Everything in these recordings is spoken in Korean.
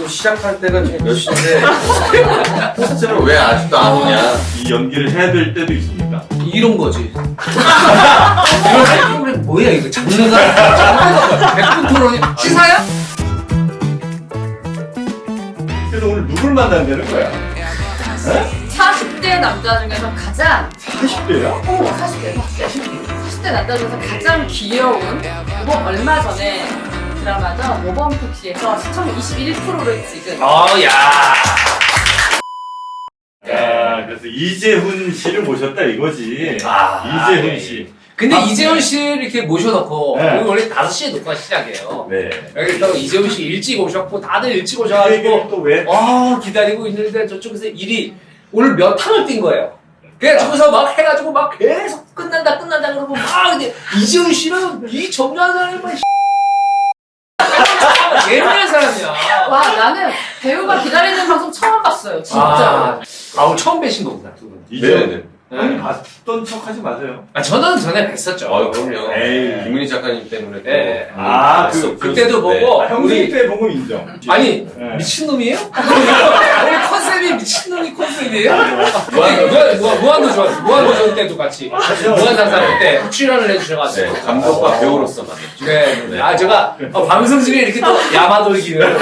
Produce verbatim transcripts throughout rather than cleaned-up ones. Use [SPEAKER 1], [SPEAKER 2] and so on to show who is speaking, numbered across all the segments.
[SPEAKER 1] 지금 시작할 때가 지금 몇 시인데 포스트는 왜 아직도 안 오냐?
[SPEAKER 2] 이 연기를 해야 될 때도 있습니까?
[SPEAKER 3] 이런 거지. 이런 프로그램 뭐야 이거 장르가 백 분 토론이 시사야?
[SPEAKER 2] 그래서 오늘 누굴 만난다는 거야?
[SPEAKER 4] 사십 대 남자 중에서 가장
[SPEAKER 2] 사십 대야?
[SPEAKER 4] 오 사십 대 사십 대 남자 중에서 가장 귀여운 그리고 얼마 전에 드라마죠 모범 택시에서 시청 이십일 퍼센트를 찍은
[SPEAKER 3] 어, 야.
[SPEAKER 2] 야, 그래서 이재훈 씨를 모셨다 이거지.
[SPEAKER 3] 아,
[SPEAKER 2] 이재훈
[SPEAKER 3] 네.
[SPEAKER 2] 씨.
[SPEAKER 3] 근데
[SPEAKER 2] 아,
[SPEAKER 3] 이재훈 씨를 이렇게 모셔놓고
[SPEAKER 2] 네.
[SPEAKER 3] 오늘 원래 다섯 시에 녹화 시작해요.
[SPEAKER 2] 네.
[SPEAKER 3] 여기 또 이재훈 씨 일찍 오셨고 다들 일찍
[SPEAKER 2] 그
[SPEAKER 3] 오셔가지고
[SPEAKER 2] 얘기를 또 왜?
[SPEAKER 3] 와 기다리고 있는데 저쪽에서 일이 오늘 몇 탕을 뛴 거예요. 그래 저기서 막 해가지고 막 계속 끝난다 끝난다 그러고 막 근데 이재훈 씨는 이 정리한 사람이 막 예민한 사람이야.
[SPEAKER 4] 와 나는 배우가 기다리는 방송 처음 봤어요 진짜.
[SPEAKER 3] 아, 아 오늘 처음 뵈신 거구나 두 분.
[SPEAKER 2] 이재훈.
[SPEAKER 3] 네.
[SPEAKER 2] 아니, 봤던 척 하지 마세요.
[SPEAKER 3] 아 저는 전에 뵀었죠.
[SPEAKER 1] 어, 그럼요.
[SPEAKER 2] 에이.
[SPEAKER 1] 김은희 작가님 때문에 또.
[SPEAKER 3] 네.
[SPEAKER 2] 아,
[SPEAKER 1] 음,
[SPEAKER 2] 그-
[SPEAKER 3] 그때도
[SPEAKER 1] 네.
[SPEAKER 3] 보고
[SPEAKER 2] 아, 형님
[SPEAKER 3] 우리
[SPEAKER 2] 때 보고 인정.
[SPEAKER 3] 아니
[SPEAKER 2] 네.
[SPEAKER 3] 미친놈이에요? 우리 컨셉이 미친놈이 컨셉이에요? 무한, 무한, 무한, 무한도전, 무한도전 때도 같이 무한상상 때 출연을 해주셔가지고
[SPEAKER 1] 네, 감독과 배우로서 만났죠.
[SPEAKER 3] 네, 네. 아 제가 어, 방송 중에 이렇게 또 야마돌기를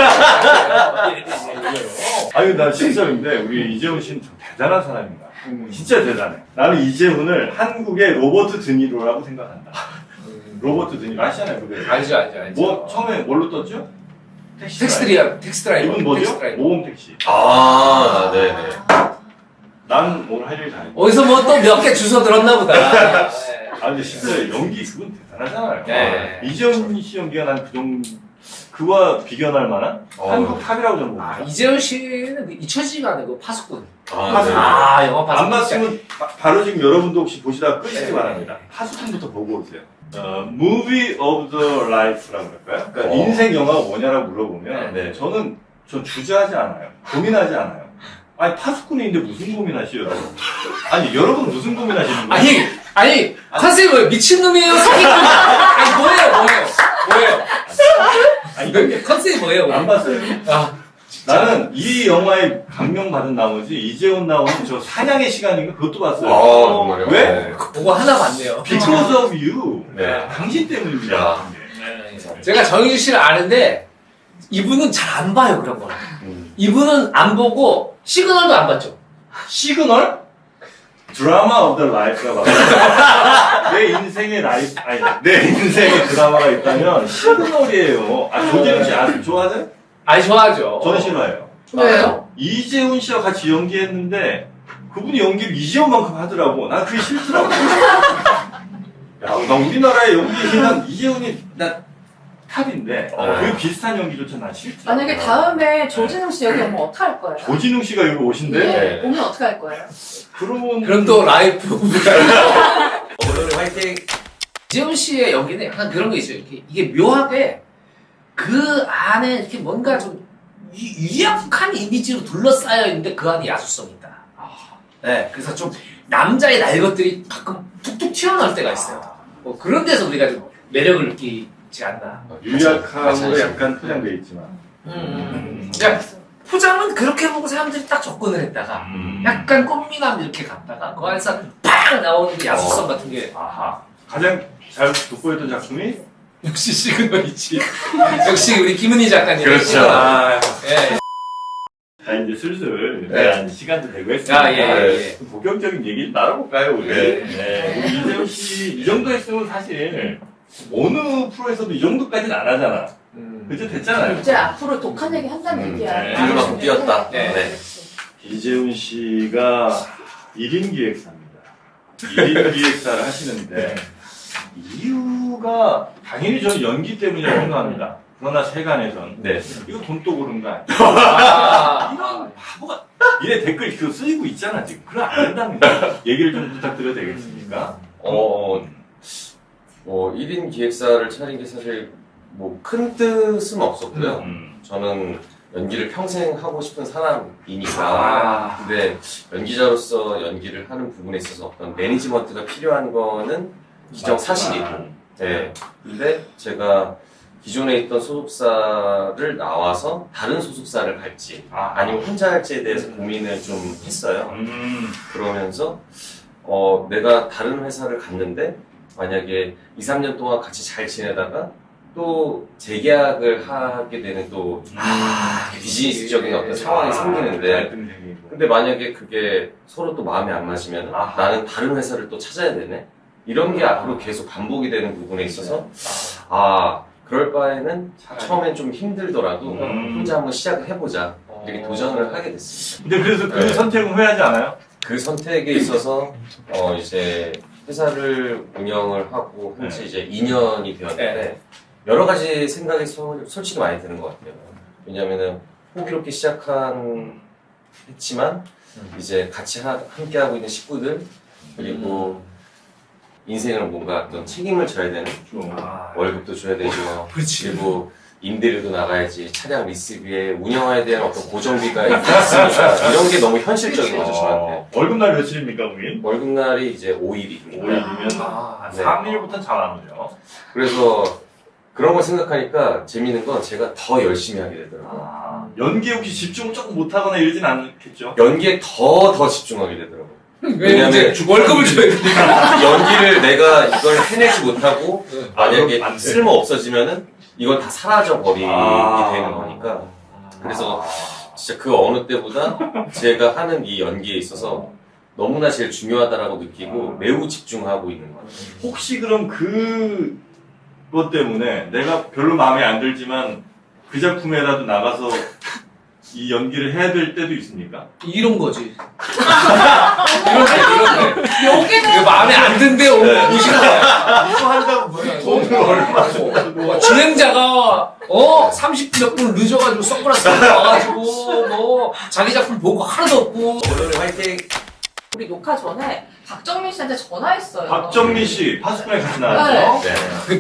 [SPEAKER 2] 아유, 나 진짜인데, 우리 이재훈 씨는 좀 대단한 사람인가. 진짜 대단해. 나는 이재훈을 한국의 로버트 드니로라고 생각한다. 로버트 드니로 아시잖아요, 그게.
[SPEAKER 3] 알죠 알죠 알죠.
[SPEAKER 2] 뭐, 처음에 뭘로 떴죠? 택시
[SPEAKER 3] 텍스트리아 텍스트라이버
[SPEAKER 2] 이분 뭐죠?
[SPEAKER 3] 텍스트라이버.
[SPEAKER 2] 모범 택시.
[SPEAKER 1] 아, 네네.
[SPEAKER 2] 난 오늘 할 일 다 했어.
[SPEAKER 3] 어디서 뭐 또 몇 개 주워 들었나 보다. 네.
[SPEAKER 2] 아, 근데 진짜 연기 그건 대단하잖아요.
[SPEAKER 3] 네.
[SPEAKER 2] 아, 이재훈 씨 연기가 난 그 정도, 그와 비견할 만한
[SPEAKER 1] 어.
[SPEAKER 2] 한국 탑이라고 저는
[SPEAKER 3] 아
[SPEAKER 2] 봅니다.
[SPEAKER 3] 이재훈 씨는 그 잊혀지지가 않은 그 파수꾼.
[SPEAKER 1] 아,
[SPEAKER 2] 파수꾼.
[SPEAKER 3] 아 영화 파수꾼.
[SPEAKER 2] 안 봤으면 바, 바로 지금 여러분도 혹시 보시다가 끄시기
[SPEAKER 3] 네.
[SPEAKER 2] 바랍니다. 파수꾼부터 보고 오세요. 어, Movie of the Life라고 할까요? 그러니까
[SPEAKER 1] 어.
[SPEAKER 2] 인생 영화가 뭐냐라고 물어보면
[SPEAKER 1] 네.
[SPEAKER 2] 저는 전 주저하지 않아요. 고민하지 않아요. 아니 파수꾼인데 무슨 고민하시요 여러분? 아니 여러분 무슨 고민하시는 거예요?
[SPEAKER 3] 아니 아니 컨셉이 뭐예요? 미친놈이에요? 사기꾼? 아니 뭐예요 뭐예요 뭐예요?
[SPEAKER 2] 아니
[SPEAKER 3] 그 컨셉이 뭐예요?
[SPEAKER 2] 안 봤어요.
[SPEAKER 3] 아
[SPEAKER 2] 나는 이 영화에 감명받은 나머지 이재훈 나오는 저 사냥의 시간인가 그것도 봤어요.
[SPEAKER 1] 아, 정말요?
[SPEAKER 2] 왜?
[SPEAKER 1] 네.
[SPEAKER 3] 그거 하나 봤네요.
[SPEAKER 2] Because of you.
[SPEAKER 1] 네.
[SPEAKER 2] 당신 때문입니다.
[SPEAKER 1] 야.
[SPEAKER 3] 제가 정희주 씨를 아는데 이분은 잘 안 봐요 그런 거.
[SPEAKER 1] 음.
[SPEAKER 3] 이분은 안 보고 시그널도 안 봤죠.
[SPEAKER 2] 시그널? 드라마 오브 더 라이프가 맞아요. 내 인생의 라이프, 아니, 내 인생의 드라마가 있다면 시그널이에요. 아, 조재훈 씨 아, 좋아하세요?
[SPEAKER 3] 아니 좋아하죠.
[SPEAKER 2] 저는 싫어해요.
[SPEAKER 4] 왜요?
[SPEAKER 2] 이재훈 씨와 같이 연기했는데 그분이 연기를 이재훈만큼 하더라고. 난 그게 싫더라고. 야, 나 우리나라의 연기는 이재훈이 나 탑인데
[SPEAKER 1] 어.
[SPEAKER 2] 그 비슷한 연기조차 난 싫더라고.
[SPEAKER 4] 만약에 다음에 조진웅 씨 여기 오면 어떡 할 거예요?
[SPEAKER 2] 조진웅 씨가 여기 오신대?
[SPEAKER 4] 예, 오면 어떡 할 거예요?
[SPEAKER 2] 그러면
[SPEAKER 3] 그럼 또 라이프 오늘 화이팅. 이재훈 씨의 연기는 약간 그런 게 있어요. 이렇게 이게 묘하게 그 안에 이렇게 뭔가 좀 유- 유약한 이미지로 둘러싸여 있는데 그 안에 야수성이 있다. 네, 그래서 좀 남자의 날 것들이 가끔 툭툭 튀어나올 때가 있어요. 뭐 그런 데서 우리가 좀 매력을 느끼지 않나.
[SPEAKER 2] 유약함으로 약간 포장되어 있지만.
[SPEAKER 3] 음. 그러니까 포장은 그렇게 보고 사람들이 딱 접근을 했다가 약간 꽃미남 이렇게 갔다가 그 안에서 팍 나오는 그 야수성 같은 게
[SPEAKER 2] 아하. 가장 잘 돋보였던 작품이?
[SPEAKER 3] 역시 시그널이지. 역시 우리 김은희 작가님.
[SPEAKER 1] 그렇죠.
[SPEAKER 3] 아, 예.
[SPEAKER 2] 자, 이제 슬슬
[SPEAKER 3] 네.
[SPEAKER 2] 네. 시간도 되고 했으니까.
[SPEAKER 3] 아, 예, 예.
[SPEAKER 2] 좀 본격적인 얘기를 나눠볼까요, 우리?
[SPEAKER 1] 네.
[SPEAKER 2] 네. 우리 이재훈 씨, 이 정도 했으면 사실 어느 프로에서도 이 정도까지는 안 하잖아.
[SPEAKER 3] 음.
[SPEAKER 2] 그죠? 됐잖아요.
[SPEAKER 4] 이제 앞으로 독한 얘기 한다는
[SPEAKER 2] 음,
[SPEAKER 4] 얘기야.
[SPEAKER 2] 네.
[SPEAKER 1] 이만큼 뛰었다.
[SPEAKER 3] 네.
[SPEAKER 1] 네.
[SPEAKER 2] 이재훈 씨가 일 인 기획사입니다. 일 인 기획사를 하시는데, 이유가 당연히 저는 연기 때문이라고 생각합니다. 그러나 세간에선
[SPEAKER 1] 네.
[SPEAKER 2] 이거 돈 또 그런 거 아니야?
[SPEAKER 3] 아,
[SPEAKER 2] 이런 바보가 이래 댓글 그거 쓰이고 있잖아 지금. 그럼 안 된답니다. 얘기를 좀 부탁드려도 되겠습니까?
[SPEAKER 1] 어, 뭐, 일 인 기획사를 차린 게 사실 뭐 큰 뜻은 없었고요.
[SPEAKER 2] 음.
[SPEAKER 1] 저는 연기를 평생 하고 싶은 사람이니까.
[SPEAKER 2] 아.
[SPEAKER 1] 근데 연기자로서 연기를 하는 부분에 있어서 어떤 매니지먼트가 필요한 거는 기정사실이고. 네. 근데 제가 기존에 있던 소속사를 나와서 다른 소속사를 갈지
[SPEAKER 2] 아,
[SPEAKER 1] 아니면 혼자 할지에 대해서 고민을 좀 했어요.
[SPEAKER 2] 음.
[SPEAKER 1] 그러면서 어, 내가 다른 회사를 갔는데 만약에 이, 삼 년 동안 같이 잘 지내다가 또 재계약을 하게 되는 또
[SPEAKER 3] 아,
[SPEAKER 1] 비즈니스적인 어떤 상황이 생기는데 근데 만약에 그게 서로 또 마음에 안 맞으면
[SPEAKER 2] 아하.
[SPEAKER 1] 나는 다른 회사를 또 찾아야 되네? 이런 게 앞으로 계속 반복이 되는 부분에 있어서 아 그럴 바에는 처음엔 좀 힘들더라도
[SPEAKER 2] 음.
[SPEAKER 1] 혼자 한번 시작을 해보자 이렇게 도전을 하게 됐습니다.
[SPEAKER 2] 근데 그래서 그
[SPEAKER 1] 네.
[SPEAKER 2] 선택은 후회하지 않아요?
[SPEAKER 1] 그 선택에 있어서 어 이제 회사를 운영을 하고 현재
[SPEAKER 2] 네.
[SPEAKER 1] 이제 이 년이 되었는데
[SPEAKER 3] 네.
[SPEAKER 1] 여러 가지 생각이 소- 솔직히 많이 드는 것 같아요. 왜냐면은 호기롭게 시작한 했지만 이제 같이 하, 함께 하고 있는 식구들 그리고 인생을 뭔가 어떤 책임을 져야 되는
[SPEAKER 2] 좀.
[SPEAKER 3] 아,
[SPEAKER 1] 월급도 줘야 되고
[SPEAKER 3] 그렇지.
[SPEAKER 1] 그리고 임대료도 나가야지 차량 리스비에 운영에 대한 어떤 고정비가 있으니까 이런 게 너무 현실적인 거죠 저한테.
[SPEAKER 2] 어, 월급날 며칠입니까, 그게?
[SPEAKER 1] 월급날이 이제 오 일입니다.
[SPEAKER 2] 오 일이면
[SPEAKER 3] 아,
[SPEAKER 1] 네.
[SPEAKER 2] 삼 일부터는 잘 안 오죠.
[SPEAKER 1] 그래서 그런 걸 생각하니까 재밌는 건 제가 더 열심히 하게 되더라고요.
[SPEAKER 2] 아, 연기에 혹시 집중을 조금 못하거나 이러진 않겠죠?
[SPEAKER 1] 연기에 더 더 집중하게 되더라고요.
[SPEAKER 3] 왜 이제 월급을 줘야 되니까.
[SPEAKER 1] 연기를 내가 이걸 해내지 못하고 만약에
[SPEAKER 2] 안 돼.
[SPEAKER 1] 쓸모 없어지면은 이건 다 사라져 버리게
[SPEAKER 2] 아.
[SPEAKER 1] 되는 거니까. 그래서 진짜 그 어느 때보다 제가 하는 이 연기에 있어서 너무나 제일 중요하다라고 느끼고 매우 집중하고 있는 것 같아요.
[SPEAKER 2] 혹시 그럼 그것 때문에 내가 별로 마음에 안 들지만 그 작품에라도 나가서 이 연기를 해야 될 때도 있습니까?
[SPEAKER 3] 이런 거지. 이런 데, 이런 데.
[SPEAKER 4] 여기는
[SPEAKER 3] 이거 마음에 안 든데 오시는 거야.
[SPEAKER 2] 이거 한다고 뭐야?
[SPEAKER 3] 돈을 얼마 줘. 진행자가, 어, 삼십 몇 분 늦어가지고 선글라스 들고 와가지고, 뭐, 자기 작품 보고 하나도 없고.
[SPEAKER 1] 오늘 화이팅!
[SPEAKER 4] 우리 녹화 전에 박정민 씨한테 전화했어요.
[SPEAKER 2] 박정민 씨 파수꾼에 같이 나왔죠?
[SPEAKER 1] 네.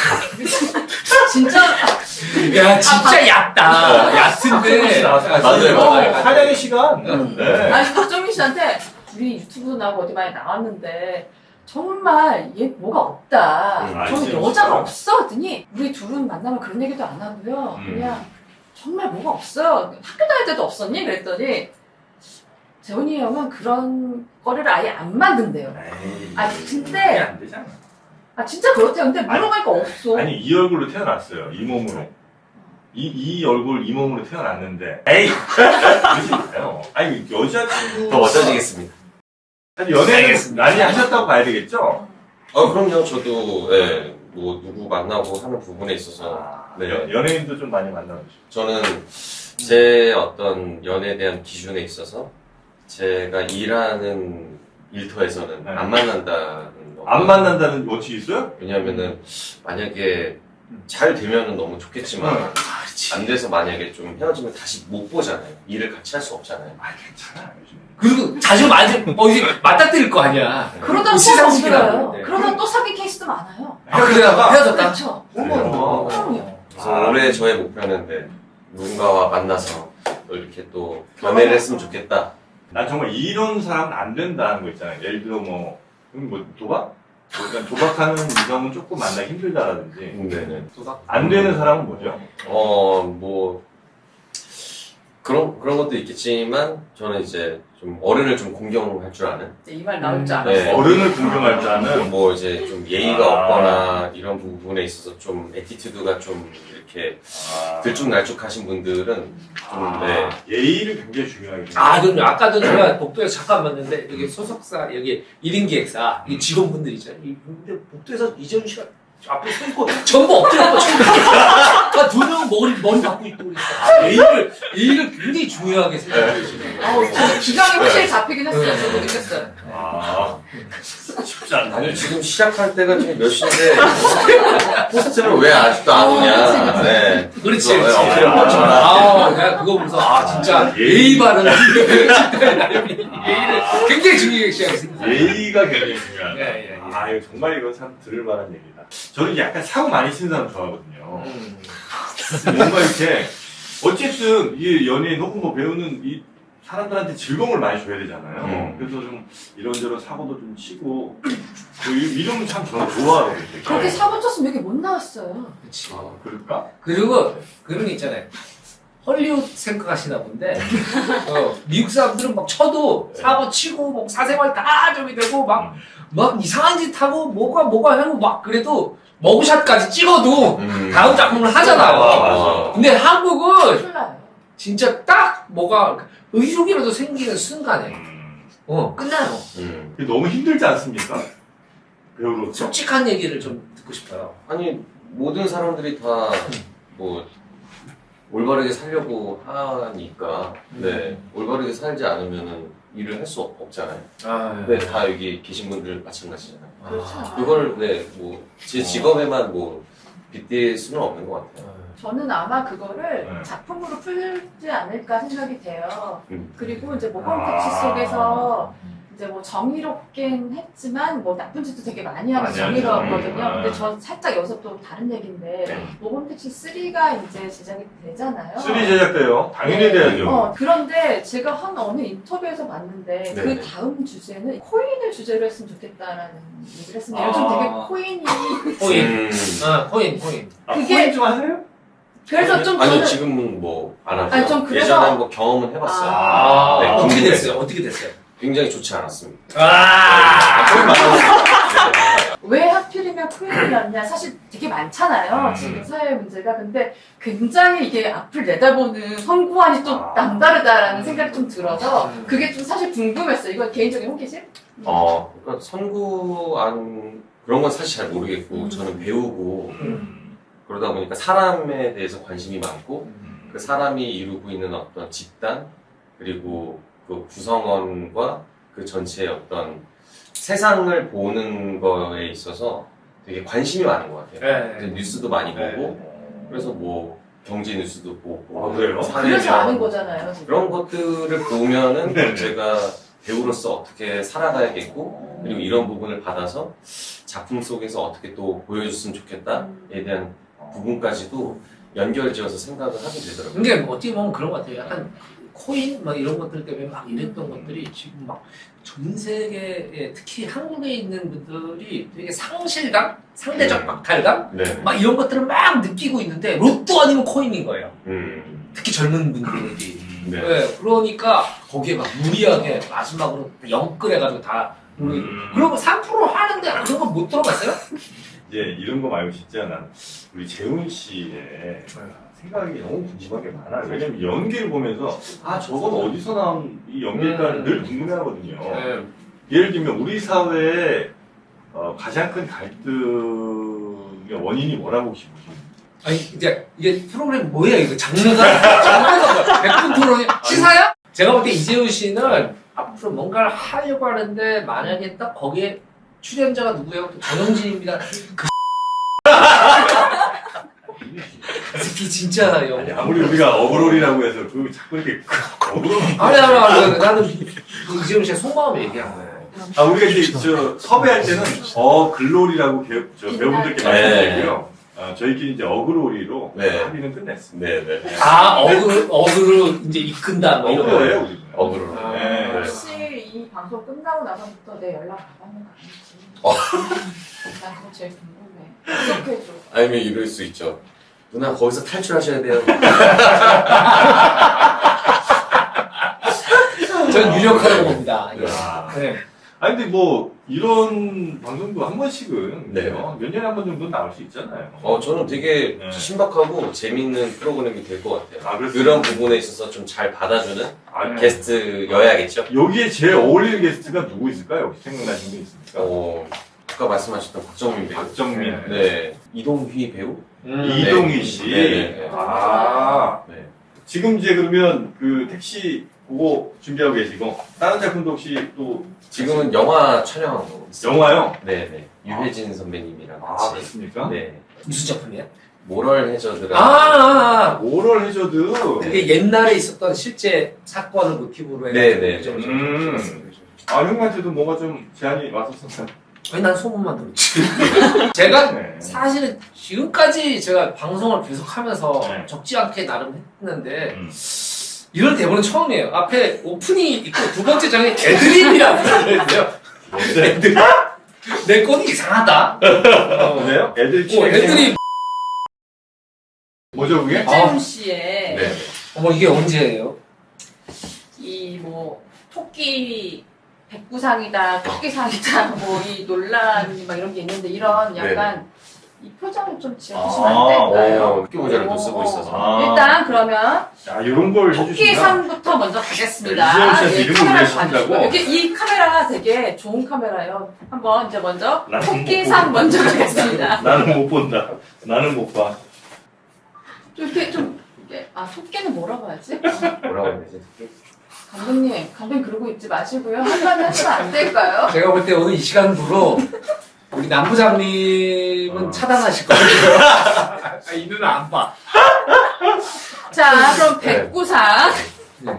[SPEAKER 4] 진짜
[SPEAKER 3] 야, 진짜 얕다. 얕은데.
[SPEAKER 1] 맞아요, 맞아요.
[SPEAKER 2] 사냥의 시간. 네.
[SPEAKER 4] 아니 박정민 씨한테 우리 유튜브 나고 어디 많이 나왔는데 정말 얘 뭐가 없다.
[SPEAKER 1] 음,
[SPEAKER 4] 저는
[SPEAKER 2] 알지,
[SPEAKER 4] 여자가
[SPEAKER 2] 진짜.
[SPEAKER 4] 없어. 했더니 우리 둘은 만나면 그런 얘기도 안 하고요.
[SPEAKER 2] 음.
[SPEAKER 4] 그냥 정말 뭐가 없어요. 학교 다닐 때도 없었니? 그랬더니 재훈이 형은 그런 거리를 아예 안 만든대요.
[SPEAKER 2] 에이,
[SPEAKER 4] 아니,
[SPEAKER 2] 그게
[SPEAKER 4] 근데
[SPEAKER 2] 안 되잖아.
[SPEAKER 4] 아 진짜 그렇대요. 근데 물어보니까 없어.
[SPEAKER 2] 아니 이 얼굴로 태어났어요. 이 몸으로. 이, 이 얼굴 이 몸으로 태어났는데 에이 그러지 마요. 아니 여자친구
[SPEAKER 1] 더 멋져지겠습니다.
[SPEAKER 2] 아니 연애는 많이 하셨다고 봐야 되겠죠?
[SPEAKER 1] 아, 그럼요. 저도, 예, 뭐, 누구 만나고 하는 부분에 있어서,
[SPEAKER 2] 아,
[SPEAKER 1] 네.
[SPEAKER 2] 연- 연예인도 좀 많이 만나보시고.
[SPEAKER 1] 저는 제 어떤 연애에 대한 기준에 있어서, 제가 일하는 일터에서는
[SPEAKER 2] 네.
[SPEAKER 1] 안 만난다는 거.
[SPEAKER 2] 안 만난다는 원칙이 있어요?
[SPEAKER 1] 왜냐면은, 만약에 잘 되면은 너무 좋겠지만, 안 돼서 만약에 좀 헤어지면 다시 못 보잖아요. 일을 같이 할 수 없잖아요.
[SPEAKER 2] 아 괜찮아 요즘.
[SPEAKER 3] 그리고 자주 맞을, 어, 이제 맞닥뜨릴 거 아니야.
[SPEAKER 4] 그러다 또
[SPEAKER 3] 시상식이라고
[SPEAKER 4] 건드려요.
[SPEAKER 3] 그러는데.
[SPEAKER 4] 그러다 또 사귄 케이스도 많아요.
[SPEAKER 3] 아, 그래다가 헤어졌다.
[SPEAKER 4] 그렇죠.
[SPEAKER 1] 어머,
[SPEAKER 2] 어머.
[SPEAKER 4] 그럼요.
[SPEAKER 1] 그래서 올해 저의 목표는 네, 누군가와 만나서 또 이렇게 또 연애를 했으면 좋겠다.
[SPEAKER 2] 난 정말 이런 사람은 안 된다는 거 있잖아요. 예를 들어 뭐, 음, 뭐 도박? 그러니까 도박하는 이성은 조금 만나기 힘들다라든지
[SPEAKER 1] 네네.
[SPEAKER 2] 안 되는 사람은 뭐죠?
[SPEAKER 1] 어, 뭐, 그런, 그런 것도 있겠지만, 저는 이제 좀 어른을 좀 공경할 줄 아는?
[SPEAKER 4] 이제 이 말 나올 줄
[SPEAKER 3] 음,
[SPEAKER 4] 알았어.
[SPEAKER 1] 네.
[SPEAKER 2] 어른을 공경할 줄 아는
[SPEAKER 1] 뭐 이제 좀 예의가
[SPEAKER 2] 아.
[SPEAKER 1] 없거나 이런 부분에 있어서 좀 에티튜드가 좀 이렇게
[SPEAKER 2] 아,
[SPEAKER 1] 들쭉날쭉하신 분들은 좀,
[SPEAKER 2] 아,
[SPEAKER 1] 네.
[SPEAKER 2] 예의를 굉장히 중요하게
[SPEAKER 3] 아, 그럼요. 아까도 제가 복도에서 잠깐 봤는데, 여기 소속사, 여기 일 인 기획사, 이 직원분들 있잖아요. 이 분들 복도에서 이재훈 씨가 앞에 서 있고, 전부 엎드렸고, 전부. 아, 두 명은 머리, 머리 받고 있고 그랬어. 아, 예의를, 예의를 굉장히 중요하게 생각해 주시는
[SPEAKER 4] 아우,
[SPEAKER 3] 거예요.
[SPEAKER 4] 저 기강이 확실히 잡히긴 했어요. 저도 느꼈어요.
[SPEAKER 2] 아, 쉽지 않네.
[SPEAKER 1] 아니, 지금 시작할 때가 지금 몇 시인데, 포스트는 왜 아직도 안 오냐. 네.
[SPEAKER 3] 그렇지,
[SPEAKER 1] 그래서,
[SPEAKER 3] 그렇지.
[SPEAKER 1] 네, 어필을 멈춰라.
[SPEAKER 3] 아, 내가 그거 보면서, 아, 진짜, 예의 바르는 예의를 굉장히 중요하게 생각했어요.
[SPEAKER 2] 예의가 굉장히 중요하다.
[SPEAKER 3] 예, 예, 예.
[SPEAKER 2] 아, 이거 정말 이건 참 들을 만한 얘기다. 저는 약간 사고 많이 치는 사람 좋아하거든요. 뭔가 이렇게, 어쨌든, 이 연예인 혹은 뭐 배우는 이 사람들한테 즐거움을 많이 줘야 되잖아요.
[SPEAKER 1] 음.
[SPEAKER 2] 그래서 좀 이런저런 사고도 좀 치고 뭐 이- 이러면 참 저는 좋아하거든요.
[SPEAKER 4] 그렇게 사고 쳤으면 여기 못 나왔어요.
[SPEAKER 3] 그치.
[SPEAKER 2] 아, 그럴까?
[SPEAKER 3] 그리고 그런 게 있잖아요. 헐리우드 생각하시나 본데 어, 미국 사람들은 막 쳐도 사고 치고 뭐 사생활 다 저기 되고 막 막 이상한 짓 하고 뭐가 뭐가 하고 막 그래도 머그샷까지 찍어도
[SPEAKER 1] 음.
[SPEAKER 3] 다음 작품을
[SPEAKER 1] 아,
[SPEAKER 3] 하잖아요.
[SPEAKER 1] 맞아.
[SPEAKER 3] 근데 한국은
[SPEAKER 4] 큰일 나요.
[SPEAKER 3] 진짜 딱 뭐가 의욕이라도 생기는 순간에
[SPEAKER 2] 음.
[SPEAKER 3] 어 끝나요.
[SPEAKER 1] 음.
[SPEAKER 2] 이게 너무 힘들지 않습니까? 배우로서.
[SPEAKER 3] 솔직한 얘기를 좀 듣고 싶어요.
[SPEAKER 1] 아니 모든 사람들이 다 뭐 올바르게 살려고 하니까 네 올바르게 살지 않으면은 일을 할 수 없잖아요.
[SPEAKER 3] 아,
[SPEAKER 1] 네, 다 여기 계신 분들 마찬가지잖아요.
[SPEAKER 4] 그렇지 않아요.
[SPEAKER 1] 그걸 네뭐 제 직업에만 뭐 빗댈 수는 없는 것 같아요.
[SPEAKER 4] 저는 아마 그거를
[SPEAKER 2] 네.
[SPEAKER 4] 작품으로 풀지 않을까 생각이 돼요.
[SPEAKER 1] 음.
[SPEAKER 4] 그리고 이제 모범
[SPEAKER 2] 아.
[SPEAKER 4] 택시 속에서 이제 뭐 정의롭긴 했지만 뭐 나쁜 짓도 되게 많이 하면서
[SPEAKER 2] 많이 하죠.
[SPEAKER 4] 정의로웠거든요.
[SPEAKER 2] 음.
[SPEAKER 4] 근데 저 살짝 여기서 또 다른 얘기인데
[SPEAKER 2] 네.
[SPEAKER 4] 모범 택시 쓰리가 이제 제작이 되잖아요.
[SPEAKER 2] 쓰리 제작돼요. 당연히
[SPEAKER 4] 네.
[SPEAKER 2] 돼야죠.
[SPEAKER 4] 어, 그런데 제가 한 어느 인터뷰에서 봤는데
[SPEAKER 1] 네.
[SPEAKER 4] 그 다음 주제는 코인을 주제로 했으면 좋겠다라는 얘기를 했습니다. 요즘 되게
[SPEAKER 3] 아.
[SPEAKER 4] 코인이
[SPEAKER 3] 코인,
[SPEAKER 1] 음.
[SPEAKER 3] 아 코인, 코인.
[SPEAKER 2] 아,
[SPEAKER 4] 그게-
[SPEAKER 2] 코인 좀 하세요?
[SPEAKER 4] 그래서 좀
[SPEAKER 1] 아니
[SPEAKER 4] 저는
[SPEAKER 1] 지금은 뭐 안 하죠.
[SPEAKER 4] 아니, 좀 그래서-
[SPEAKER 1] 예전에 뭐 경험은 해봤어요.
[SPEAKER 3] 아,
[SPEAKER 1] 네,
[SPEAKER 3] 어떻게
[SPEAKER 1] 궁금해요.
[SPEAKER 3] 됐어요? 어떻게 됐어요?
[SPEAKER 1] 굉장히 좋지 않았습니다.
[SPEAKER 3] 아,
[SPEAKER 1] 거의 많았어요.
[SPEAKER 4] 왜 하필이면 코인이었냐 사실 되게 많잖아요
[SPEAKER 2] 음.
[SPEAKER 4] 지금 사회 문제가. 근데 굉장히 이게 앞을 내다보는 선구안이 좀
[SPEAKER 2] 아.
[SPEAKER 4] 남다르다라는 생각이 좀 들어서
[SPEAKER 3] 음.
[SPEAKER 4] 그게 좀 사실 궁금했어요. 이건 개인적인 호기심?
[SPEAKER 1] 어, 그러니까 선구안 그런 건 사실 잘 모르겠고
[SPEAKER 4] 음.
[SPEAKER 1] 저는 배우고
[SPEAKER 2] 음.
[SPEAKER 1] 그러다 보니까 사람에 대해서 관심이 많고
[SPEAKER 2] 음.
[SPEAKER 1] 그 사람이 이루고 있는 어떤 집단 그리고 그 구성원과 그 전체의 어떤 세상을 보는 거에 있어서 되게 관심이 많은 것 같아요.
[SPEAKER 3] 네.
[SPEAKER 1] 그래서 뉴스도 많이
[SPEAKER 3] 네.
[SPEAKER 1] 보고 그래서 뭐 경제 뉴스도 보고
[SPEAKER 2] 아, 그래요?
[SPEAKER 1] 사회
[SPEAKER 4] 그래서
[SPEAKER 1] 명-
[SPEAKER 4] 아는 거잖아요 지금.
[SPEAKER 1] 그런 것들을 보면은
[SPEAKER 2] 네.
[SPEAKER 1] 제가 배우로서 어떻게 살아가야겠고 그리고 이런 부분을 받아서 작품 속에서 어떻게 또 보여줬으면 좋겠다에 대한 부분까지도 연결지어서 생각을 하게 되더라고요.
[SPEAKER 3] 근데 뭐 어떻게 보면 그런 것 같아요. 약간 코인 막 이런 것들 때문에 막 이랬던 것들이 지금 막 전 세계에 특히 한국에 있는 분들이 되게 상실감, 상대적
[SPEAKER 1] 네.
[SPEAKER 3] 박탈감
[SPEAKER 1] 네.
[SPEAKER 3] 막 이런 것들을 막 느끼고 있는데 로또 아니면 코인인 거예요.
[SPEAKER 1] 음.
[SPEAKER 3] 특히 젊은 분들이.
[SPEAKER 1] 네.
[SPEAKER 3] 네, 그러니까 거기에 막 무리하게 마지막으로 영끌해가지고 다 우리
[SPEAKER 2] 음.
[SPEAKER 3] 그런 거 삼 퍼센트 하는데 그런 거 못 들어봤어요?
[SPEAKER 2] 이제 이런 거 말고 진짜 난 우리 재훈 씨의 생각이 너무 궁금한 게 많아요. 왜냐면 연기를 보면서 아 저건 어디서 나온 이 연기일까
[SPEAKER 3] 음.
[SPEAKER 2] 늘 궁금해하거든요.
[SPEAKER 3] 네.
[SPEAKER 2] 예를 들면 우리 사회의 어, 가장 큰 갈등의 원인이 뭐라고 혹시 보십니까?
[SPEAKER 3] 아니 이제 이게 프로그램 뭐예요 이거 장르가 장르가 뭐야? 백분 토론이 시사야? 제가 볼 때 이재훈 씨는 앞으로 뭔가를 하려고 하는데 만약에 딱 거기에 출연자가 누구예요? 전영진입니다. 그 새끼 진짜
[SPEAKER 2] 아니,
[SPEAKER 3] 영.
[SPEAKER 2] 아무리 우리가 어그롤이라고 해서 그 자꾸 이렇게 어그롤
[SPEAKER 3] 아니 아니 아니 나는 이재훈 씨의 속마음 얘기한 거예요.
[SPEAKER 2] 아 우리가 이제 저 섭외할 때는 어 글로리라고 배, 저 배우분들께
[SPEAKER 1] 네.
[SPEAKER 2] 말씀드리고요. 아, 저희끼리 이제 어그로리로
[SPEAKER 1] 네.
[SPEAKER 2] 합의는 끝냈습니다.
[SPEAKER 1] 네네.
[SPEAKER 3] 아 어그로 어그로 이제 이끈다 뭐 이런 거.
[SPEAKER 2] 어그로예요 우리.
[SPEAKER 1] 어그로.
[SPEAKER 3] 아.
[SPEAKER 2] 네.
[SPEAKER 4] 혹시 이 방송 끝나고 나서부터 내 연락 받았는 거 아니지?
[SPEAKER 1] 어.
[SPEAKER 4] 나 그거 제일 궁금해. 기억해줘.
[SPEAKER 1] 아니면 이럴 수 있죠. 누나 거기서 탈출하셔야 돼요.
[SPEAKER 3] 전 유력하다고 봅니다. 예.
[SPEAKER 2] 야.
[SPEAKER 3] 네.
[SPEAKER 2] 아니 근데 뭐 이런 방송도 한 번씩은
[SPEAKER 1] 네.
[SPEAKER 2] 그죠? 몇 년에 한 번 정도는 나올 수 있잖아요.
[SPEAKER 1] 어 저는 되게
[SPEAKER 2] 네.
[SPEAKER 1] 신박하고 재밌는 프로그램이 될 것 같아요.
[SPEAKER 2] 아, 그렇습니까?
[SPEAKER 1] 그런 부분에 있어서 좀 잘 받아주는
[SPEAKER 2] 아,
[SPEAKER 1] 게스트여야겠죠.
[SPEAKER 2] 여기에 제일 어울리는 게스트가 누구 있을까요? 혹시 생각나시는 게 있습니까?
[SPEAKER 1] 어 아까 말씀하셨던 박정민 배우.
[SPEAKER 2] 박정민,
[SPEAKER 1] 네. 이동휘 배우.
[SPEAKER 3] 음.
[SPEAKER 2] 이동희 씨.
[SPEAKER 1] 네네.
[SPEAKER 2] 아
[SPEAKER 1] 네.
[SPEAKER 2] 지금 이제 그러면 그 택시 그거 준비하고 계시고 다른 작품도 혹시 또
[SPEAKER 1] 지금은 영화 촬영하고 있어요.
[SPEAKER 2] 영화요?
[SPEAKER 1] 네네. 유해진 선배님이랑
[SPEAKER 2] 아
[SPEAKER 1] 같이.
[SPEAKER 2] 그렇습니까?
[SPEAKER 1] 네.
[SPEAKER 3] 무슨 작품이야?
[SPEAKER 1] 모럴 해저드라.
[SPEAKER 3] 아, 아, 아.
[SPEAKER 2] 오럴 해저드.
[SPEAKER 3] 그게 옛날에 있었던 실제 사건을 모티브로 해가지고
[SPEAKER 1] 네, 네.
[SPEAKER 3] 그죠, 그죠.
[SPEAKER 2] 음. 아 형한테도 뭐가 좀 제안이 왔었었나요?
[SPEAKER 3] 아니 난 소문만 들었지. 제가
[SPEAKER 2] 네.
[SPEAKER 3] 사실은 지금까지 제가 방송을 계속하면서
[SPEAKER 2] 네.
[SPEAKER 3] 적지 않게 나름 했는데
[SPEAKER 2] 음.
[SPEAKER 3] 이런 대본은 처음이에요. 앞에 오픈이 있고 두 번째 장에 애드립이라고 들어있어요. 애드립. 내 꼴이 이상하다. 어,
[SPEAKER 2] 그래요? 애들
[SPEAKER 3] 어,
[SPEAKER 2] 치는
[SPEAKER 3] 애드립.
[SPEAKER 2] 뭐죠 그게?
[SPEAKER 4] 이재훈 씨의
[SPEAKER 1] 네.
[SPEAKER 3] 어머 이게 언제예요?
[SPEAKER 4] 이 뭐 토끼 백구상이다, 토끼상이다, 뭐 이 논란이 막 이런 게 있는데 이런 약간 이 표정을 좀 지어주시면
[SPEAKER 2] 아,
[SPEAKER 4] 안 될까요?
[SPEAKER 1] 어, 토끼 모자를 또
[SPEAKER 4] 어,
[SPEAKER 1] 쓰고
[SPEAKER 4] 어.
[SPEAKER 1] 있어서.
[SPEAKER 2] 아.
[SPEAKER 4] 일단 그러면
[SPEAKER 2] 자, 이런 걸 해주신다.
[SPEAKER 4] 토끼상부터 먼저 가겠습니다.
[SPEAKER 2] 이재훈 씨한테
[SPEAKER 4] 예,
[SPEAKER 2] 이름을
[SPEAKER 4] 카메라
[SPEAKER 2] 왜 쓰신다고?
[SPEAKER 4] 봐주시고. 이렇게 이 카메라가 되게 좋은 카메라예요. 한번 이제 먼저
[SPEAKER 2] 나는
[SPEAKER 4] 토끼상
[SPEAKER 2] 못
[SPEAKER 4] 먼저 가겠습니다.
[SPEAKER 2] 나는 못 본다. 나는 못 봐.
[SPEAKER 4] 좀 이렇게 좀 이게 아 토끼는 뭐라고 하지?
[SPEAKER 1] 뭐라고 해야 되지? 토끼?
[SPEAKER 4] 감독님, 감독님 그러고 있지 마시고요. 한마디 하시면 안 될까요?
[SPEAKER 3] 제가 볼 때 오늘 이 시간부로 우리 남부장님은
[SPEAKER 2] 어.
[SPEAKER 3] 차단하실 거예요. 아, 이 눈은 안 봐.
[SPEAKER 4] 자, 그럼 백구상.
[SPEAKER 3] 네.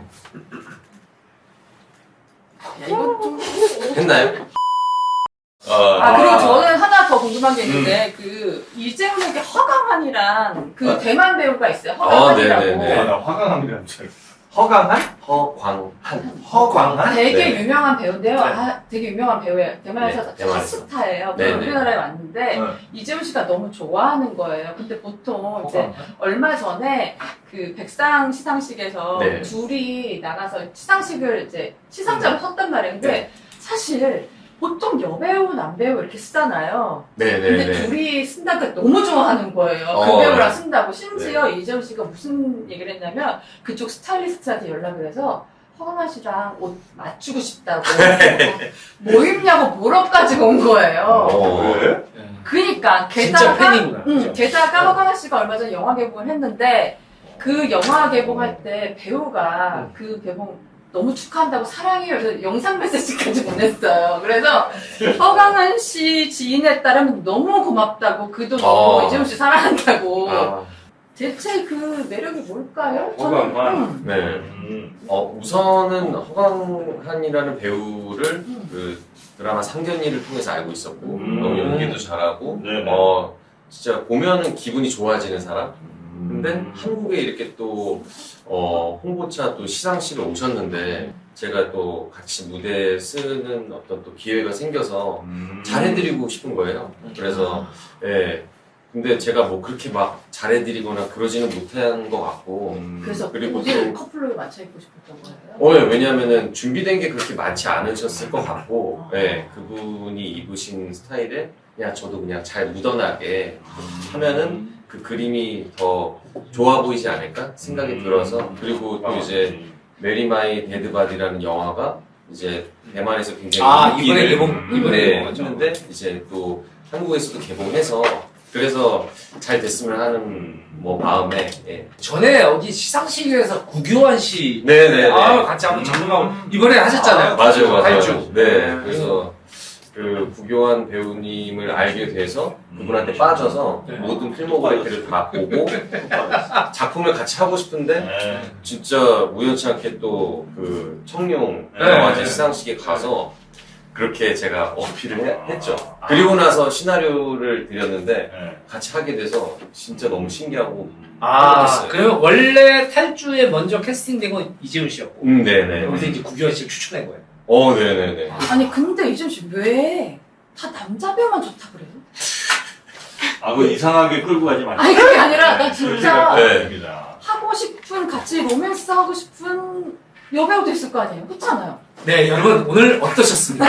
[SPEAKER 4] 야, 이거 좀.
[SPEAKER 1] 했나요? 어,
[SPEAKER 4] 아, 그리고
[SPEAKER 2] 아.
[SPEAKER 4] 저는 하나 더 궁금한 게 있는데, 그, 이재훈에게 허강한이란 그
[SPEAKER 1] 아.
[SPEAKER 4] 대만 배우가 있어요.
[SPEAKER 1] 아,
[SPEAKER 4] 허강한이라고.
[SPEAKER 1] 네네네.
[SPEAKER 2] 아, 나 화강함이라는 줄 알았어. 허강한?
[SPEAKER 1] 허광한.
[SPEAKER 2] 허광한?
[SPEAKER 4] 되게
[SPEAKER 1] 네.
[SPEAKER 4] 유명한 배우인데요.
[SPEAKER 1] 네.
[SPEAKER 4] 아, 되게 유명한 배우예요. 대만에서
[SPEAKER 1] 네, 대만에서.
[SPEAKER 4] 탑스타예요.
[SPEAKER 1] 네, 네.
[SPEAKER 4] 우리나라에 왔는데,
[SPEAKER 2] 네.
[SPEAKER 4] 이재훈 씨가 너무 좋아하는 거예요. 근데 보통 이제
[SPEAKER 3] 허강.
[SPEAKER 4] 얼마 전에 그 백상 시상식에서
[SPEAKER 1] 네.
[SPEAKER 4] 둘이 나가서 시상식을 이제 시상자로 섰단 말이에요. 근데
[SPEAKER 1] 네.
[SPEAKER 4] 사실 보통 여배우, 남배우 이렇게 쓰잖아요. 근데
[SPEAKER 1] 네네네.
[SPEAKER 4] 둘이 쓴다니까 너무 좋아하는 거예요. 그
[SPEAKER 1] 어,
[SPEAKER 4] 배우랑
[SPEAKER 1] 네.
[SPEAKER 4] 쓴다고. 심지어 이재훈 씨가 무슨 얘기를 했냐면 그쪽 스타일리스트한테 연락을 해서 허강한 씨랑 옷 맞추고 싶다고 뭐 입냐고 물어까지 온 거예요.
[SPEAKER 1] 어.
[SPEAKER 2] 왜?
[SPEAKER 4] 그니까
[SPEAKER 3] 진짜
[SPEAKER 4] 게다가
[SPEAKER 3] 팬이구나.
[SPEAKER 4] 응,
[SPEAKER 3] 그죠?
[SPEAKER 4] 게다가 허강한 씨가 얼마 전에 영화 개봉을 했는데 그 영화 개봉할 때 배우가
[SPEAKER 3] 음.
[SPEAKER 4] 그 개봉 너무 축하한다고 사랑해요. 그래서 영상 메시지까지 보냈어요. 그래서 허강한 씨 지인에 따르면 너무 고맙다고 그도 너무
[SPEAKER 1] 어.
[SPEAKER 4] 이재훈 씨 사랑한다고.
[SPEAKER 1] 아,
[SPEAKER 4] 대체 그 매력이 뭘까요?
[SPEAKER 2] 허강한.
[SPEAKER 4] 음.
[SPEAKER 1] 네.
[SPEAKER 2] 음.
[SPEAKER 1] 어, 우선은 허광한이라는 배우를
[SPEAKER 4] 음.
[SPEAKER 1] 그 드라마 상견례를 통해서 알고 있었고,
[SPEAKER 2] 음.
[SPEAKER 1] 너무 연기도 잘하고,
[SPEAKER 2] 네네.
[SPEAKER 1] 어, 진짜 보면은 기분이 좋아지는 사람? 근데
[SPEAKER 2] 음.
[SPEAKER 1] 한국에 이렇게 또, 어, 홍보차 또 시상식을 오셨는데, 제가 또 같이 무대 쓰는 어떤 또 기회가 생겨서
[SPEAKER 2] 음.
[SPEAKER 1] 잘해드리고 싶은 거예요. 그래서, 예. 근데 제가 뭐 그렇게 막 잘해드리거나 그러지는 못한 것 같고,
[SPEAKER 2] 음.
[SPEAKER 4] 그래서
[SPEAKER 1] 그리고
[SPEAKER 4] 어디를
[SPEAKER 1] 또-
[SPEAKER 4] 커플로 맞춰 입고 싶었던 거예요?
[SPEAKER 1] 어, 예, 왜냐면은 준비된 게 그렇게 많지 않으셨을 것 같고,
[SPEAKER 4] 아.
[SPEAKER 1] 예, 그분이 입으신 스타일에 그냥 저도 그냥 잘 묻어나게
[SPEAKER 2] 음.
[SPEAKER 1] 하면은 그 그림이 더 좋아 보이지 않을까 생각이
[SPEAKER 2] 음.
[SPEAKER 1] 들어서, 그리고 또 이제 메리 마이 데드 바디라는 영화가 이제 대만에서 굉장히
[SPEAKER 3] 아 이번에
[SPEAKER 1] 인기를
[SPEAKER 3] 개봉 이번에
[SPEAKER 1] 네,
[SPEAKER 3] 개봉하죠.
[SPEAKER 1] 했는데 이제 또 한국에서도 개봉해서 그래서 잘 됐으면 하는 뭐 마음에, 예.
[SPEAKER 3] 전에 어디 시상식에서 구교환 씨
[SPEAKER 1] 네네네.
[SPEAKER 3] 아, 같이 한번 작품하고 이번에 하셨잖아요.
[SPEAKER 1] 아, 맞아요, 맞아요.
[SPEAKER 3] 탈주.
[SPEAKER 1] 네, 그래서 그 구교환 배우님을 알게 돼서 그분한테 빠져서
[SPEAKER 3] 네.
[SPEAKER 1] 모든 필모그래피를 다 보고 작품을 같이 하고 싶은데
[SPEAKER 2] 네.
[SPEAKER 1] 진짜 우연치 않게 또 그 청룡
[SPEAKER 2] 네.
[SPEAKER 1] 영화제 시상식에 가서 그렇게 제가 어필을 해- 했죠. 그리고 나서 시나리오를 드렸는데
[SPEAKER 2] 네.
[SPEAKER 1] 같이 하게 돼서 진짜 너무 신기하고
[SPEAKER 3] 아
[SPEAKER 1] 그랬어요.
[SPEAKER 3] 그러면 원래 탈주에 먼저 캐스팅된 건 이재훈 씨였고
[SPEAKER 1] 음, 네네.
[SPEAKER 3] 여기서 이제 구교환 씨를 추천한 거예요.
[SPEAKER 1] 어, 네네네.
[SPEAKER 4] 아니 근데 이재훈 씨 왜 다 남자 배우만 좋다 그래요?
[SPEAKER 2] 아, 그 이상하게 끌고 가지 마시고.
[SPEAKER 4] 아니 그게 아니라 나 진짜
[SPEAKER 1] 네.
[SPEAKER 2] 니다
[SPEAKER 4] 하고 싶은 같이 로맨스 하고 싶은 여배우도 있을 거 아니에요? 그렇지 않아요?
[SPEAKER 3] 네 여러분 오늘 어떠셨습니까?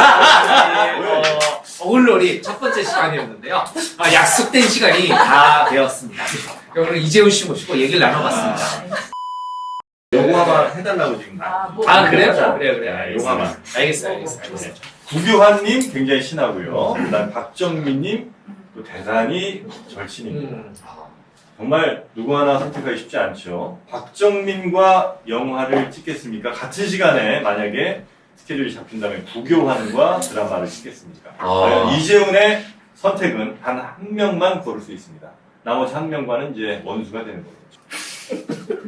[SPEAKER 3] 어, 어울놀이 첫 번째 시간이었는데요. 아, 약속된 시간이 다 되었습니다. 오늘 이재훈 씨 모시고 얘기를 나눠봤습니다.
[SPEAKER 2] 요거 하나 해달라고 지금.
[SPEAKER 4] 아, 뭐,
[SPEAKER 3] 아 그래요?
[SPEAKER 2] 자,
[SPEAKER 3] 그래요 그래요.
[SPEAKER 2] 야, 요거만.
[SPEAKER 3] 알겠어요 알겠어요. 알겠어요.
[SPEAKER 2] 구교환님 굉장히 친하고요. 그다음 박정민님 또 대단히 절친입니다.
[SPEAKER 3] 음.
[SPEAKER 2] 정말 누구 하나 선택하기 쉽지 않죠. 박정민과 영화를 찍겠습니까? 같은 시간에 만약에 스케줄이 잡힌다면 구교환과 드라마를 찍겠습니까?
[SPEAKER 1] 아.
[SPEAKER 2] 과연 이재훈의 선택은 단 한 명만 고를 수 있습니다. 나머지 한 명과는 이제 원수가 되는 거죠.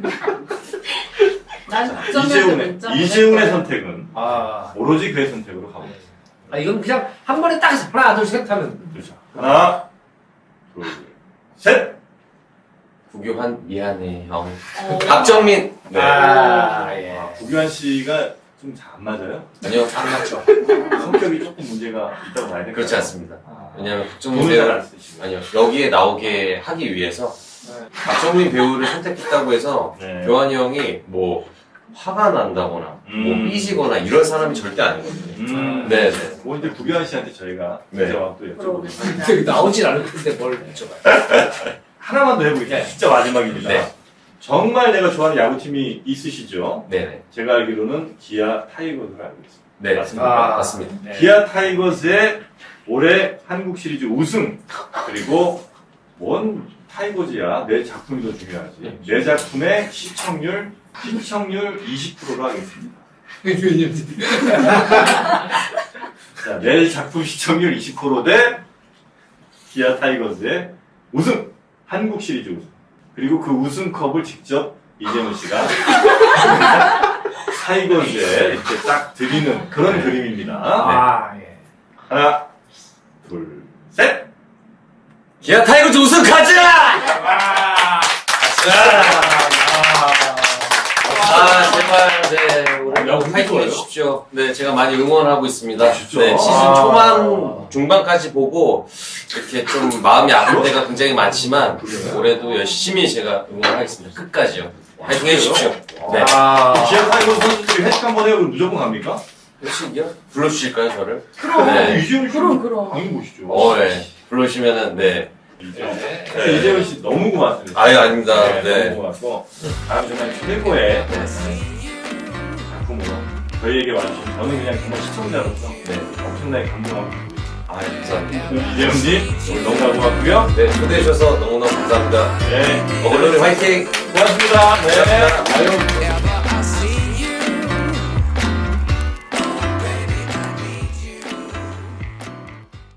[SPEAKER 4] 난 박정희한테
[SPEAKER 2] 이재훈의
[SPEAKER 4] 문자
[SPEAKER 2] 이재훈의
[SPEAKER 4] 보낼 거야.
[SPEAKER 2] 선택은
[SPEAKER 3] 아,
[SPEAKER 2] 오로지 그의 선택으로 가보겠습니다.
[SPEAKER 3] 아 이건 그냥 한 번에 딱 해서 하나 둘 셋 하면
[SPEAKER 2] 그렇죠. 하나, 둘, 셋.
[SPEAKER 1] 구교환 미안해 형.
[SPEAKER 4] 어.
[SPEAKER 1] 박정민. 네.
[SPEAKER 3] 아, 예.
[SPEAKER 2] 아, 구교환 씨가 좀 잘 안 맞아요?
[SPEAKER 1] 아니요.
[SPEAKER 3] 안 맞죠.
[SPEAKER 2] 성격이 조금 문제가 있다고 봐야 될까요?
[SPEAKER 1] 그렇지 않습니다.
[SPEAKER 2] 아,
[SPEAKER 1] 왜냐하면 박정민
[SPEAKER 2] 돈을
[SPEAKER 1] 배우
[SPEAKER 2] 잘안 쓰시고.
[SPEAKER 1] 아니요 여기에 나오게 하기 위해서 박정민 배우를 선택했다고 해서
[SPEAKER 2] 네.
[SPEAKER 1] 교환이 형이 뭐 화가 난다거나
[SPEAKER 2] 음.
[SPEAKER 1] 뭐 삐지거나 이런 사람이 절대 아니거든요.
[SPEAKER 2] 음.
[SPEAKER 1] 네, 네.
[SPEAKER 2] 뭐 이제 구교환 씨한테 저희가
[SPEAKER 1] 네.
[SPEAKER 2] 진짜 또 여쭤보겠습니다.
[SPEAKER 4] 물어보겠습니다.
[SPEAKER 3] 되게 나오질 않을 텐데 뭘 여쭤봐요.
[SPEAKER 2] 하나만 더 해보겠습니다.
[SPEAKER 3] 네.
[SPEAKER 2] 진짜 마지막입니다.
[SPEAKER 1] 네.
[SPEAKER 2] 정말 내가 좋아하는 야구팀이 있으시죠?
[SPEAKER 1] 네, 네.
[SPEAKER 2] 제가 알기로는 기아 타이거즈를 알고 있습니다.
[SPEAKER 1] 네,
[SPEAKER 2] 맞습니까?
[SPEAKER 1] 맞습니다.
[SPEAKER 3] 네.
[SPEAKER 2] 기아 타이거즈의 올해 한국 시리즈 우승 그리고 뭔 타이거즈야 내 작품이 더 중요하지. 내 작품의 시청률 시청률 이십 퍼센트로 하겠습니다. 자, 내 작품 시청률 이십 퍼센트 대 기아 타이거즈의 우승 한국 시리즈 우승 그리고 그 우승컵을 직접 이재훈 씨가 타이거즈에 이렇게 딱 드리는 그런 그림입니다.
[SPEAKER 3] 아, 예.
[SPEAKER 2] 하나, 둘, 셋!
[SPEAKER 1] 기아 타이거즈 우승 가자!
[SPEAKER 2] 와!
[SPEAKER 1] 아 제발 네 올해
[SPEAKER 2] 야,
[SPEAKER 1] 파이팅
[SPEAKER 2] 좋아요.
[SPEAKER 1] 해주십시오. 네 제가 많이 응원하고 있습니다.
[SPEAKER 2] 진짜?
[SPEAKER 1] 네 시즌
[SPEAKER 2] 아.
[SPEAKER 1] 초반 중반까지 보고 이렇게 좀 마음이 아픈 데가 굉장히 많지만
[SPEAKER 2] 그래요?
[SPEAKER 1] 올해도 열심히 제가 응원하겠습니다. 끝까지요. 파이팅 해주십시오. 네.
[SPEAKER 3] 아,
[SPEAKER 2] 기아 타이거즈 선수들이 회식 한번 해요? 그럼 무조건 갑니까?
[SPEAKER 1] 혹시요? 불러주실까요 저를?
[SPEAKER 4] 그럼.
[SPEAKER 1] 네.
[SPEAKER 2] 이재훈 씨
[SPEAKER 4] 그럼, 그럼.
[SPEAKER 2] 당연히 보시죠.
[SPEAKER 1] 어, 네. 부르시면은 네.
[SPEAKER 2] 이재훈.
[SPEAKER 3] 네.
[SPEAKER 2] 네, 이재훈 씨 너무 고맙습니다.
[SPEAKER 1] 아유 아닙니다.
[SPEAKER 2] 네,
[SPEAKER 1] 네.
[SPEAKER 2] 너무 고맙고 다음 정말 최고의
[SPEAKER 1] 네.
[SPEAKER 2] 작품으로 저희에게 와주신 저는 그냥 정말 시청자로서
[SPEAKER 1] 네.
[SPEAKER 2] 엄청나게 감동하고 있습니다.
[SPEAKER 1] 아 감사합니다.
[SPEAKER 2] 이재훈님 오늘 너무 고맙고요.
[SPEAKER 1] 네 초대해 주셔서 너무너무 감사합니다.
[SPEAKER 2] 네,
[SPEAKER 1] 어글로리 화이팅!
[SPEAKER 2] 고맙습니다. 네.
[SPEAKER 1] 감사합니다.
[SPEAKER 2] 아유,